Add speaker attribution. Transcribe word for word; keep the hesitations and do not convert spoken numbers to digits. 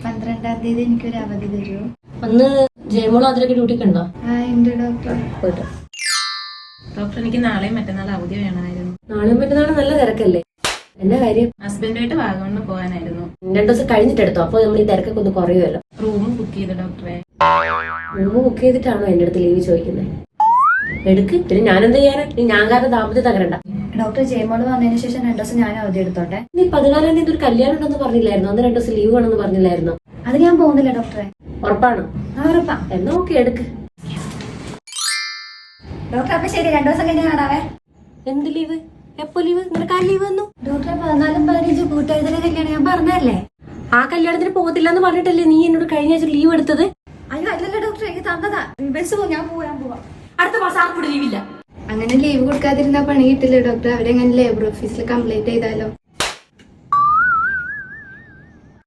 Speaker 1: പന്ത്രണ്ടാം തീയതി എനിക്കൊരു അവധി തരുമോ?
Speaker 2: അന്ന് ജയമോളോ അതിലൊക്കെ ഡ്യൂട്ടിക്ക് ഉണ്ടോ?
Speaker 1: ആ ഉണ്ട് ഡോക്ടർ.
Speaker 2: പോയിട്ട്
Speaker 3: ഡോക്ടർ എനിക്ക് നാളെയും മറ്റന്നാൾ അവധി വേണമായിരുന്നു.
Speaker 2: നാളെയും മറ്റന്നാളും നല്ല തിരക്കല്ലേ? എന്നാ കാര്യം?
Speaker 3: ഹസ്ബൻഡുമായിട്ട് വാഗമണ് പോകാനായിരുന്നു.
Speaker 2: രണ്ടു ദിവസം കഴിഞ്ഞിട്ട് എടുത്തോ, അപ്പൊ നമ്മൾ ഈ തിരക്കൊക്കെ ഒന്ന് കുറയുമല്ലോ.
Speaker 3: റൂം ബുക്ക് ചെയ്തു ഡോക്ടറെ.
Speaker 2: റൂം ബുക്ക് ചെയ്തിട്ടാണോ എന്റെ അടുത്ത് ലീവ് ചോദിക്കുന്നത്? എടുക്ക്. പിന്നെ ഞാനെന്ത് ചെയ്യാനാ? നീ ഞാൻ കാരണം ദാമ്പത്യം തകരണ്ട.
Speaker 1: ഡോക്ടർ ജയമോള് വന്നതിന് ശേഷം രണ്ടു ദിവസം ഞാൻ അവധി എടുത്തോട്ടെ.
Speaker 2: നീ പതിനാലാം തീയതി ഒരു കല്യാണം ഉണ്ടെന്ന് പറഞ്ഞില്ലായിരുന്നു? അന്ന് രണ്ടു ദിവസം ലീവ് വേണമെന്ന് പറഞ്ഞില്ലായിരുന്നു?
Speaker 1: അത് ഞാൻ പോകുന്നില്ല ഡോക്ടറെ.
Speaker 2: ഉറപ്പാണോ?
Speaker 1: ആ ഉറപ്പാ.
Speaker 2: എന്നാ ഓക്കെ, എടുക്ക്.
Speaker 1: ഡോക്ടർ അപ്പൊ ശരി, രണ്ടു ദിവസം കഴിഞ്ഞ് കാണാവേ.
Speaker 2: എന്ത് ലീവ്? എപ്പോ ലീവ്? നിനക്ക് ആ ലീവ് വന്നു?
Speaker 1: ഡോക്ടറെ പതിനാലും പതിനഞ്ചും കൂട്ടുകാരുടെ കല്യാണം ഞാൻ പറഞ്ഞല്ലേ.
Speaker 2: ആ കല്യാണത്തിന് പോകത്തില്ല എന്ന് പറഞ്ഞിട്ടല്ലേ നീ എന്നോട് കഴിഞ്ഞ ആഴ്ച ലീവ് എടുത്തത്?
Speaker 1: അയ്യോ അല്ലല്ലോ ഡോക്ടർ, എനിക്ക് തന്നതാ. ബസ് പോ, ഞാൻ പോവാൻ പോവാ.
Speaker 2: അടുത്ത മാസം ആർക്കും ലീവില്ല.
Speaker 1: അങ്ങനെ ലീവ് കൊടുക്കാതിരുന്ന പണി കിട്ടില്ല ഡോക്ടർ. അവരെങ്ങനെ ലേബർ ഓഫീസിൽ കംപ്ലൈന്റ് ചെയ്താലോ?